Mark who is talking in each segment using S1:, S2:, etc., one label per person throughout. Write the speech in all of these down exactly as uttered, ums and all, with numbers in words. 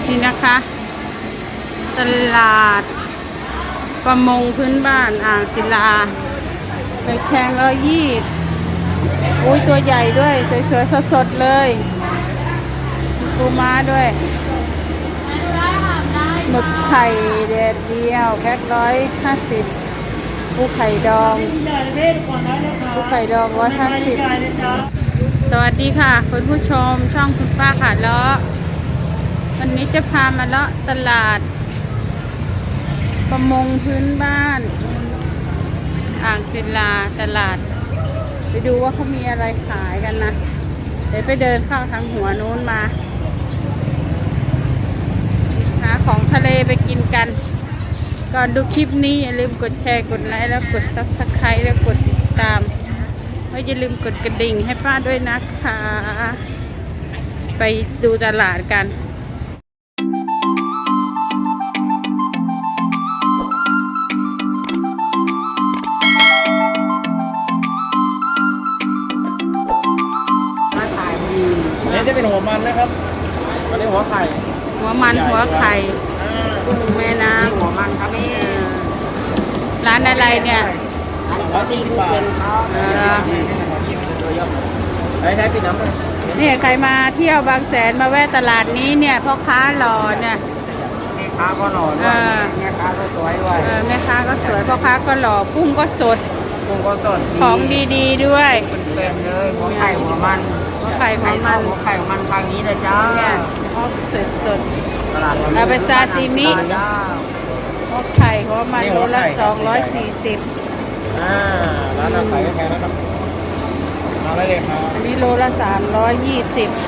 S1: นี่นะคะตลาดประมงพื้นบ้านอ่างศิลาไปแข่งร้อยยี่อุ้ยตัวใหญ่ด้วยสวยๆสดๆเลยปูม้าด้วยหมึกไข่แดดเดียวแพ็คร้อยห้าสิบปูไข่ดองปูไข่ดองร้อยห้าสิบสวัสดีค่ะคุณผู้ชมช่องคุณป้าขาเลาะวันนี้จะพามาเลาะตลาดประมงพื้นบ้านอ่างศิลาตลาดไปดูว่าเขามีอะไรขายกันนะเดี๋ยวไปเดินเข้าทางหัวนู้นมาหาของทะเลไปกินกันก่อนดูคลิปนี้อย่าลืมกดแชร์กดไลค์แล้วกดซับสไครต์แล้วกดติดตามไม่อย่าลืมกดกระดิ่งให้ป้าด้วยนะคะไปดูตลาดกัน
S2: นี่จะเป็นหัวมันนะครับอันนี้หัวไข่
S1: หัวมันหัวไข่กุ้งแม่น้ำ
S2: หัวมันครับนี่
S1: ร้านอะไรเนี่ย
S2: ร้อยสี่สิบบาทใช้ใช้ปิดน้ำเลย
S1: เนี่ยใครมาเที่ยวบางแสนมาแวะตลาดนี้เนี่ยพ่อค้าหล่อเนี่ย
S2: แม่ค้าก็หล่อด้วยแม่ค้าก็สวยด้วย
S1: เออแม่ค้าก็สวยพ่อค้าก็หล่อกุ้งก็สด
S2: กุ้งก็สด
S1: ของดีๆด้วย
S2: เต็มเลยหัวไข่หัวมัน
S1: หัวไข่หัวมัน
S2: หัวไข่หัวมันทางนี้เลยจ้า
S1: เนี่ยเขาสดสด
S2: ตลาด
S1: เอาไปซาซิมิ หัวไข่หัวมันโลละสองร้อยสี่สิบ
S2: อ่าร้านอาหารแพงนะครับมาได้เลยครับ
S1: อันนี้โลละสามร้อยยี่สิบ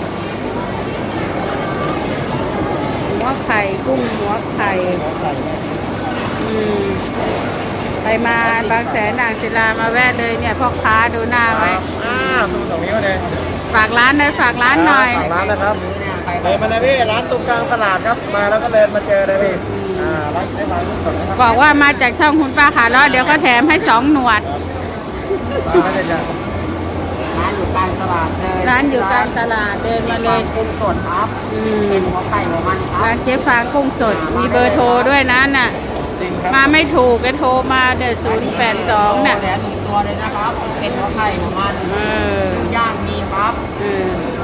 S1: หัวไข่กุ้งหัวไข่
S2: หัวไข่
S1: อืมไปมาบางแสนอ่างศิลามาแวะเลยเนี่ยพ่อค้าดูหน้าไว้
S2: อ่าตรงตรงนี้มาเลย
S1: ฝากร้านหน่อยฝากร้านหน่อย
S2: ฝากร้านนะครับเลยมาเลยพี่ร้านตรงกลางตลาดครับมาแล้วก็เลยมาเจอเลยพี่อ่าร้านใช้ร้านสดนะครับ
S1: บอกว่ามาจากช่องคุณป้าขาเลาะเดี๋ยวก็แถมให้สองหนวด
S2: ร้านอะไรจ้ะร้านอยู่กลางตลาดเลย
S1: ร้านอยู่กลางตลาดเดินมาเลย
S2: กุ้งสดครับ
S1: อืม
S2: เป็นหัวไข่หัวมันครับ
S1: ร้านเจ๊ฟางกุ้งสดมีเบอร์โทรด้วยนะน่ะ
S2: จริงครับ
S1: มาไม่ถูกก็โทรมาเดี๋ยวศูนย์แปดสองน่ะ
S2: แหลมหนึ่งตัวเลยนะครับเป็นหัวไข่หัวมัน
S1: เออ
S2: ย่างมีครับ
S1: เออ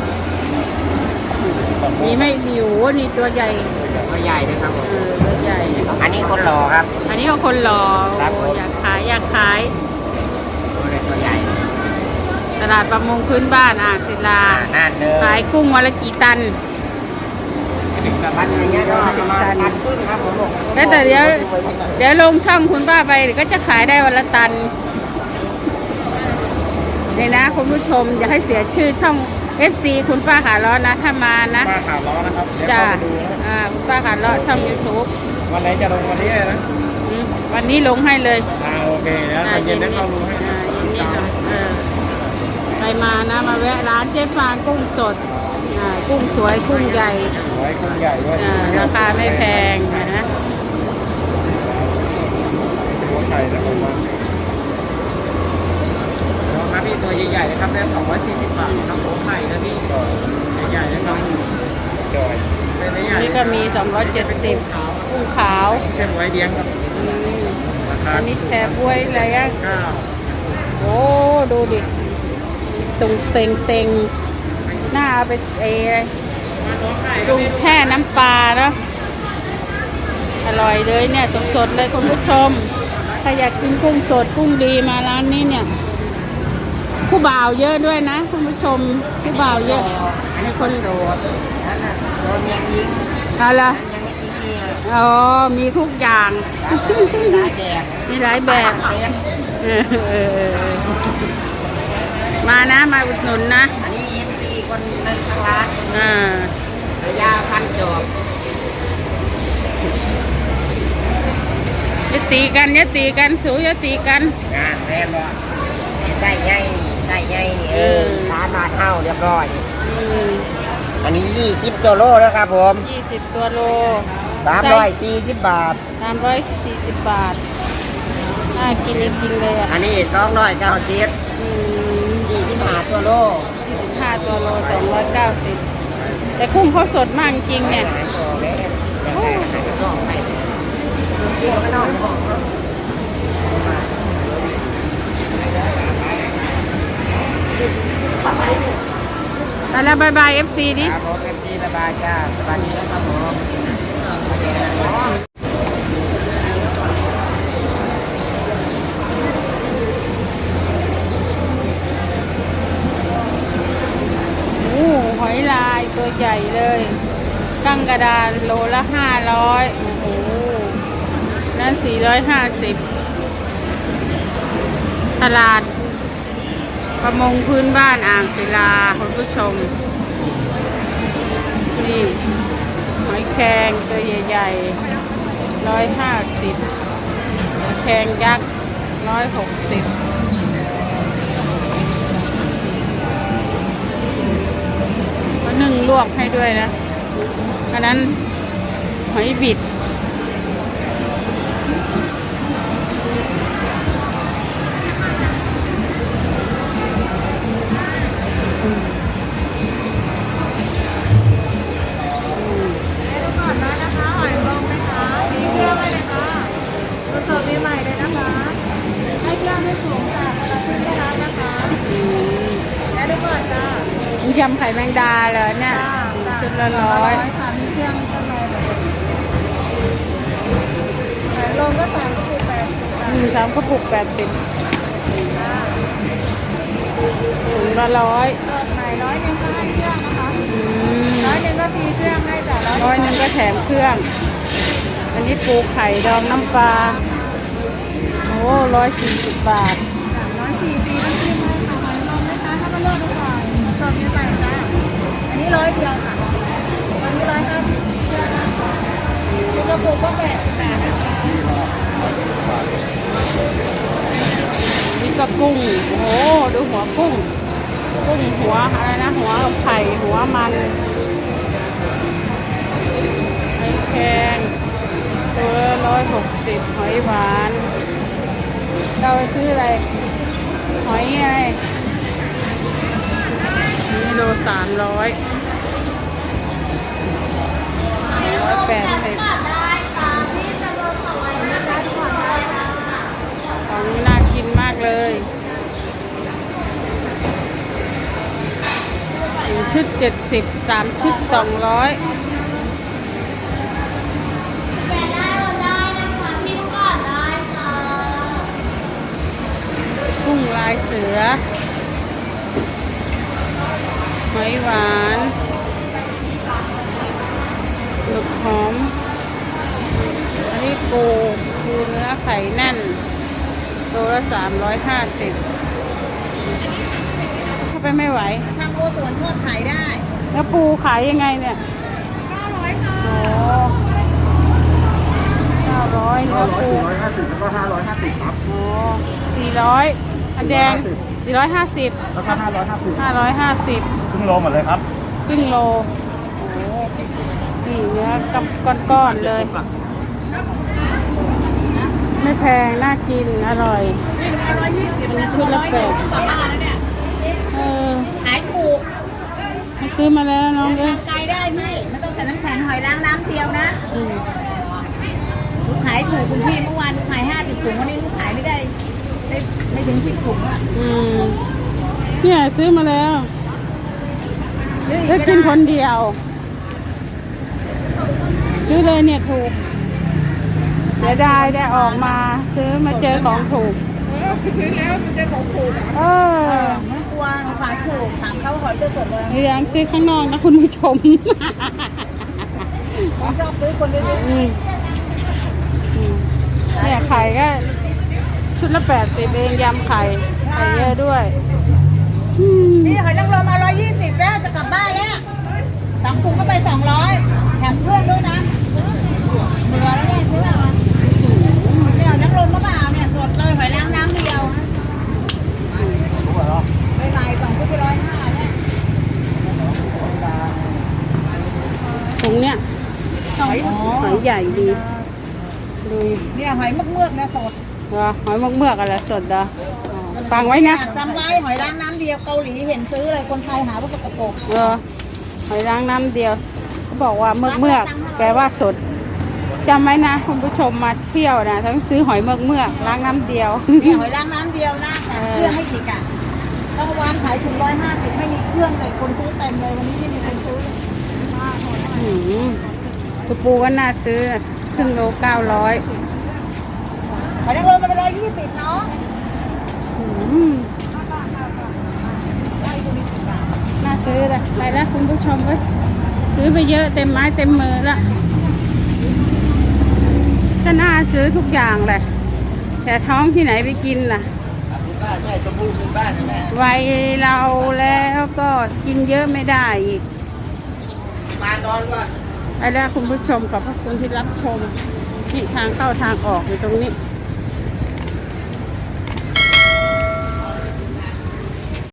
S1: มีไม่มีโอ้โหนี่ตัวใหญ่
S2: ตัวใหญ่นะครับผม
S1: เออตัวใหญ่
S2: อันนี้คนหล่อครับ
S1: อันนี้ก็คนหล่อ
S2: ครับ
S1: โอ้
S2: ผม
S1: อยากขายอยากขาย
S2: ตัวเล็กตัวใหญ่
S1: ตลาดประมงพื้นบ้านอ่างศิลา
S2: น่านเดิม
S1: ขายกุ้งวันละกี่ตัน
S2: พันอย่างเงี้ยก็ประมาณพันครึ่งครับผมบอก
S1: แล้วแต่เดี๋ยวเดี๋ยวลงช่องคุณป้าไปเดี๋ยวก็จะขายได้วันละตันนี่นะคุณผู้ชมอย่าให้เสียชื่อช่อง เอฟ ซี คุณป้าขาล้อนะถ้ามานะ
S2: ป้าขาล้อนะครับเดี๋ยว
S1: จ้า
S2: เข้าไปดูนะ
S1: อ่าคุณป้าขาล้อช่อง ยูทูบ
S2: วันไหนจะลงวันนี้เลยนะ
S1: วันนี้ลงให้เลย
S2: อ่าโอเคแล้ว
S1: อ่า
S2: เย็นได้เข้าดูให้
S1: อ่าเย็นนี้หน่อยเออใครมานะมาแวะร้านเจ๊ฟางกุ้งสดอ่ากุ้งสวยกุ้งใหญ่
S2: ไว้กุ้งใหญ่ด้วย
S1: อ่าราคาไม่แพงนะ
S2: หัวไข่นะผมว่าครับพี่ตัวใหญ่ๆนะครับได้สองร้อยสี่สิบบาทครับหัวไข่นะพี่ใหญ่ๆนะครับจอยเป็นใหญ่
S1: นี่ก็มีสองร้อยเจ็ดสิบกุ้งขาว
S2: เส้นไว้เลี้ยงครับ
S1: อืม
S2: ราคา
S1: อันนี้แชร์บ้วยอะไรอ่ะ
S2: เก้า
S1: โอ้ดูดิตุงเต็งเต็งหน้าเอาไปเอดุงแช่น้ำปลาเนาะอร่อยเลยเนี่ยสดๆเลยคุณผู้ชมถ้าอยากกินกุ้งสดกุ้งดีมาร้านนี้เนี่ยผู้บ่าวเยอะด้วยนะคุณผู้ชมผู้บ่าวเยอะมีคน
S2: โดดนั่นน่ะโดนยังยิง
S1: อะไร
S2: ยังไม่มีเมีย
S1: อ๋อมีทุกอย่าง
S2: ร้ายแดง
S1: มีหลายแบบ
S2: เต็ม
S1: เออเออเออมานะมาอุดหนุนนะ
S2: อันนี้เอ็มซีคนในทางร้าน
S1: อ่า
S2: ระยะพันจอบ
S1: อย่าตีกันอย่าตีกันสูอย่าตีกัน
S2: งานแน่นอนใส่ใหญ่ใส่ใหญ่นี่เออร้านมาเท่าเรียบร้อย
S1: อืม
S2: อันนี้ยี่สิบตัวโลแล้วครับผม
S1: ยี่สิบตัวโล
S2: สามร้อยสี่สิบบาท
S1: สามร้อยสี่สิบบาทน่ากินจริงๆเลยอ่ะ
S2: อันนี้สองร้อยเก้าสิบ
S1: อืม
S2: ยี่สิบห้าตัวโล
S1: ยี่สิบห้าตัวโลสองร้อยเก้าสิบแต่กุ้งเขาสดมากจริงเนี่ย
S2: หลายตัวเลย
S1: แต่แล้วบายบายเอฟซีดิ
S2: ครับผมเอ็มจีระบายจ้าสวัสดีนะครับผม
S1: โอ้หอยลายตัวใหญ่เลยกั้งกระดานโลละห้าร้อยโอ้โหนั่นสี่ร้อยห้าสิบตลาดประมงพื้นบ้านอ่างศิลาคุณผู้ชม นี่หอยแครงตัวใหญ่ๆร้อยห้าสิบหอยแครงยักษ์ร้อยหกสิบก็นึ่งลวกให้ด้วยนะอันนั้นหอยบิดยำไข่แมงดาเลยเนี่ยชุดละร้อยค่ะมีเครื่องข้างในแบบลงก็สามกระปุกแปดสิบหนึ่งสามกระปุกแปดสิบถุงละร้อยใหม่ร้อยหนึ่งก็ให้เครื่องนะคะร้อยหนึ่งก็ฟรีเครื่องให้จ้ะร้อยหนึ่งก็แถมเครื่องอันนี้ปูไข่ดองน้ำปลาโอ้ร้อยสี่สิบบาทร้อยสี่ฟรีน้ำจิ้มให้ค่ะหอยนมไหมคะถ้ามาเลือกดูก่อนสดมีใหม่จ้ะอันนี้ร้อยเดียวค่ะอันนี้ร้อยห้าสิบเชื่อนะชุดกระปุกก็แปดสิบแปดนะคะนี่ก็กุ้งโอ้โหดูหัวกุ้งกุ้งหัวอะไรนะหัวไข่หัวมันไข่แข็งตัวละร้อยหกสิบหอยหวานเราไปซื้ออะไรหอยอะไรนี่โลสามร้อยร้อยแปดสิบของนี้น่ากินมากเลยหนึ่งชุดเจ็ดสิบสามชุดสองร้อยกุ้งลายเสือหอยหวานหมึกหอมอันนี้ปูปูเนื้อไข่แน่นตัวละสามร้อยห้าสิบเข้าไปไม่ไหว
S3: ทางโอสวนทอดขายได้
S1: แล้วปูขายยังไงเนี่ย
S3: เก้าร้อยค่ะ
S1: โอ้เก้าร้อยเนื้อปู
S2: สี่ร้อยห้าสิบแล้วก็ห้าร้อยห้าสิบครับ
S1: โอ้สี่ร้อยอันแดงสี่ร้อยห้าสิบ
S2: แล้วก็ห้าร้อยห้าสิบ
S1: ห้าร้อยห้าสิบ
S2: ครึ่งโลหมดเลยครับ
S1: ครึ่งโลโอ้นี่เนื้อกับก้อนๆเลยไม่แพงน่ากินอร่อยชุดละแปดเออ
S3: ขายถูก
S1: ซื้อมาแล้วน้องเอ้ย
S3: ไกลได้พี่ไม่ต้องใส่น้ำแข็งหอยล้างน้ำเดียวนะลูกขายถูกคุณพี่เมื่อวานลูกขายห้าสิบถุงวันนี้ลูกขายไม่ได้ได้ไม่ถึงสิบถุงอ่ะ
S1: อืมเนี่ยซื้อมาแล้วแล้วกินคนเดียวซื้อเลยเนี่ยถูกเดี๋ยวได้ได้ออกมาซื้อมาเจอของถูก
S3: ซื้อแล้วมันเจอของถูก
S1: เออ
S3: ไม่กลัวขายถูกถามเขาหอยตัวสดเลย
S1: เลี้ยงซื้อข้างนอกนะคุณผู้ชม
S3: ผมชอบซื้อคนเดียว
S1: เนี่ยไข่ก็ชุดละแปดสิบเองยำไข่ไข่เยอะด้วย
S3: นี่หอยนางรมมาร้อยยี่สิบแล้วจะกลับบ้านแล้วสองถุงก็ไปสองร้อยแถมเพื่อนด้วยนะเหลือแล้วเนี่ยซื้อเอาเนี่ยนางรมมะพร้าวเนี่ยสดเลยหอยล้างน้ำเดียวไม่ไหวสองถุงไปร้อยห้าเนี่ย
S1: ถุงเนี้ยหอยหอยใหญ่ดีดู
S3: เนี่ยหอยเมือกๆนะสด
S1: เหรอหอยเมือกๆอะไรสดเหรอฟังไว้นะ
S3: จำไว้หอยล้างน้ำเดียวเกาหลีเห็นซื้อเลยคนไทยหาว่าสกปรก
S1: เออหอยล้างน้ำเดียวเขาบอกว่าเมือกเมือกแปลว่าสดจำไว้นะคุณผู้ชมมาเที่ยวนะต้องซื้อหอยเมือกเมือกล้างน้ำเดียว
S3: นี่หอยล้างน้ำเดียวนะแถมเครื่องไม่ฉีกอ่ะเมื่อวานขายถุงร้อยห้าสิบไม่มีเครื่องแต่คนซื้อเต็มเลยวันนี้ไม่มีคนซื้อ
S1: อืมตัวปูก็น่าซื้อครึ่งโลเก้าร้อย
S3: หอยนางรมมันเป็นร้อยยี่สิบเนาะ
S1: น่าซื้อเลยไปแล้วคุณผู้ชมเว้ยซื้อไปเยอะเต็มไม้เต็มมือละก็น่าซื้อทุกอย่างแหละแต่ท้องที่ไหนไปกินล่ะ
S2: คุณบ้านแม่ชมพู่คุณบ้านนะแม่
S1: วัยเราแล้วก็กินเยอะไม่ได้อีก
S2: มานอนก่อน
S1: ไปแล้วคุณผู้ชมขอบพระคุณที่รับชมที่ทางเข้าทางออกอยู่ตรงนี้